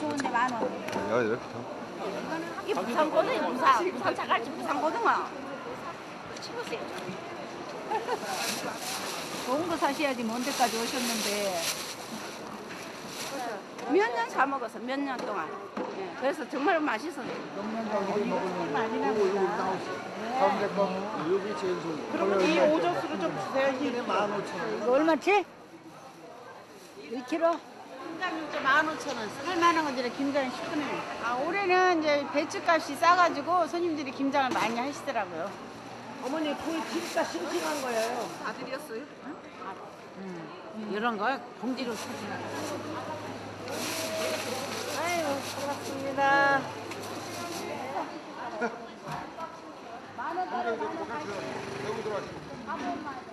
좋은데 10,000원. 야, 이렇게 다. 이게 부산거든요, 부산 자갈치 부산거든요. 치우세요. 좋은 거 사셔야지 먼 데까지 오셨는데. 몇 년 사 먹었어, 몇 년 동안. 예, 그래서 정말 맛있어요. 많이 나옵니다. 여기 제일 좋은 그러면 이 오젓수를 좀 주세요. 게 15,000원. 이거 얼마치? 1kg? 김장육제 15,000원. 할만한 건데 김장 10분에. 아, 올해는 이제 배추값이 싸가지고 손님들이 김장을 많이 하시더라고요. 어머니 그 진짜 싱싱한 거예요. 아들이었어요? 이런 거 봉지로 사주는 아유, 반갑습니다. 여기 들어가시.